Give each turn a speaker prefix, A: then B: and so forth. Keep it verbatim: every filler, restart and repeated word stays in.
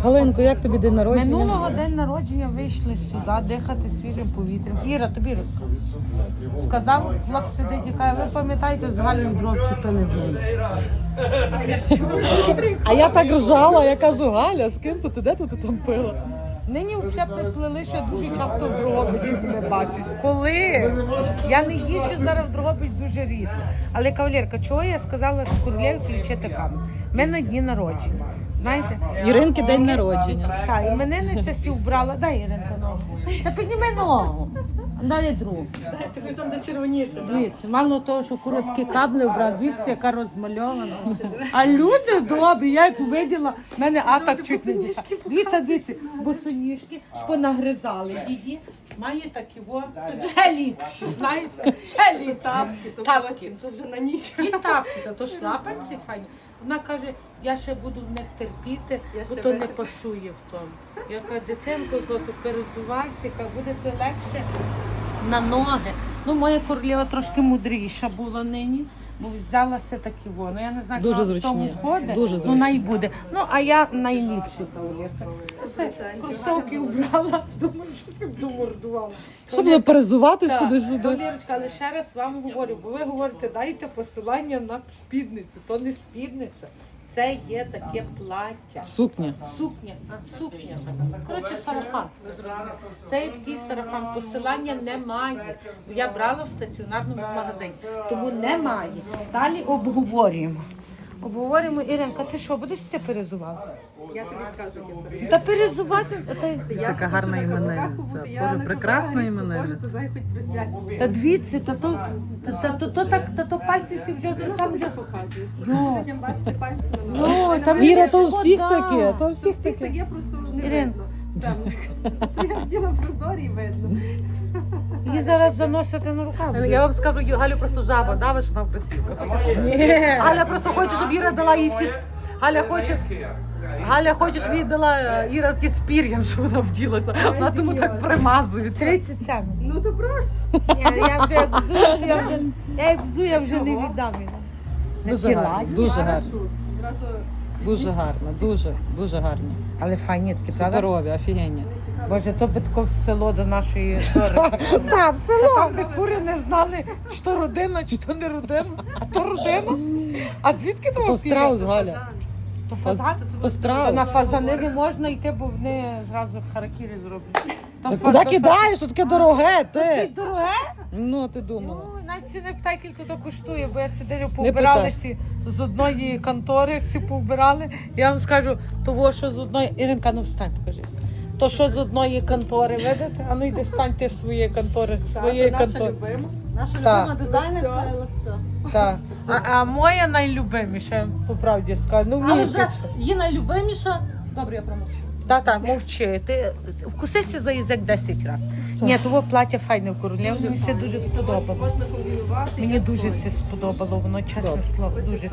A: Галинко, як тобі день народження?
B: Минулого день народження вийшли сюди дихати свіжим повітрям. Іра, тобі розкажу. Сказав, хлоп сидить і каже, ви пам'ятаєте, з Галею дров чіпили блин.
A: А я так ржала, я кажу, Галя, з ким то ти, де то ти там пила?
B: Нині вже приплили, що я дуже часто в Дрогобичі не бачу. Коли? Я не їжджу зараз в Дрогобич дуже рідко. Але, кавалерка, чого я сказала з Королєві включити камеру? У мене дні народження. Знаєте?
A: Іринки день народження.
B: Так, і іменинниця сі вбрала. Дай, Іринка, ногу. Та підніми ногу. Дай другу.
A: Ти там де червоніше.
B: Дивіться, мало того, що короткі кабли вбрав, дивіться, яка розмальована. А люди добрі, я як виділа, в мене атак чуть не дійшла. Дивіться, дивіться, босоніжки понагризали її. Має такі во, ще ліпші, знаєте, ще ліпші.
C: Тапки, то
B: Тапки.
C: потім, то вже на ніч.
B: І тапки, та то шлапанці файні. Вона каже, я ще буду в них терпіти,
C: Я
B: бо
C: ще
B: то не
C: витер-
B: пасує в тому. Я кажу, дитинко, злото, перезувайся, яка будете легше на ноги. Ну, моя королева трошки мудріша була нині, бо взялася такі воно. Я не знаю,
A: Дуже
B: як вона в тому
A: зручні.
B: ходить,
A: Дуже
B: ну
A: зручні.
B: вона і буде. Ну, а я найліпший кавалерка. Все, кросовки вбрала, думаю, що си буду мордувала.
A: Щоб не перезуватись
B: Так,
A: туди-сюди.
B: Валерочка, але ще раз вам говорю, бо ви говорите, дайте посилання на спідницю. То не спідниця, це є таке плаття.
A: Сукня.
B: Сукня, а, сукня. Коротше, сарафан. ви зрозуміли. Це є такий сарафан. Посилання немає. Я брала в стаціонарному магазині, тому немає. Далі обговорюємо. Обговорюємо, Іринка, ти що, будеш це перезувати?
C: Я тобі скажу, як я перейду.
B: Та перезувати. Та,
C: Я
A: Така
C: ще
A: гарна
C: хочу на
A: іменинниця.
C: каблуках побути, я
A: Боже,
C: на
A: прекрасна
C: каблуках
A: іменинниця.
C: ходжу, то знай хоч при святі.
B: та дивіться, та то, та, та, то, то, так, та то пальці всі вже,
C: Ну, що
B: там
C: ти
B: вже.
C: це показуєш?
B: Йо.
C: Людям бачити пальці на
B: Йо,
C: ногах.
B: там
A: Іра,
B: Ірина,
A: то у всіх
B: вода.
A: таке, то у
C: То
A: всіх
C: всіх
A: таке.
C: таке просто не
B: Ірин.
C: видно. Темних. То я вділа прозорі і видно.
B: Її зараз заносити на руках.
D: Я вам скажу, Галю просто жаба, да, що вона в кросівках.
B: Ні.
D: Галя просто хоче, щоб Іра дала їй піс... Галя хоче, Галя хоче, щоб їй дала е, Іра ті з пір'ям, щоб вона вділася. Вона тому так примазується.
B: тридцять сім.
C: Ну то прошу.
B: Ні, я вже як взу, то я вже, я як взу, я вже не
C: Чого?
B: віддам її.
A: Дуже
B: Такі
A: гарно,
B: ладні.
A: дуже гарно.
C: Хорошо. Зразу
A: Дуже гарно, дуже, дуже гарні.
B: Але файні такі, правда?
A: Суперові, офігенні.
B: Боже, то би тако в село до нашої дороги.
A: Так, в село.
B: Там, де кури не знали, чи то родина, чи то не родина, а то родина. А звідки того
A: То страус, Галя.
B: То
A: Фаз-
B: фазан?
A: То
B: То
A: страус.
B: на фазани не можна йти, бо вони зразу харакірі зроблять. То
A: Та
B: фа-
A: куди
B: то
A: кидаєш? Що таке дороге,
B: Таке
A: ти?
B: дороге?
A: Ну, ти думала.
B: Ну, навіть ці не питай, скільки то коштує, бо я сидів, повбирали всі з одної контори, всі повбирали. Я вам скажу, того, що з одної... Іринка, ну встань, покажи. То, що з одної контори, видите? А ну йди стань ти з своєї контори, з своєї
C: наша
B: контори.
C: любима.
D: Наша
B: Так.
D: любима дизайнерка.
B: Так. А, а моя найлюбиміша, по правді скажу. Ну,
D: Але
B: мені
D: вже її найлюбиміша. Добре, я промовчу.
B: Та-та, мовчи. Ти вкусися за язик десять разів. Ні, того плаття файне в королі, вже мені все дуже сподобало.
C: Можна комбінувати.
B: Мені
C: як
B: дуже
C: хочеш.
B: все сподобало, воно чесне слово, дуже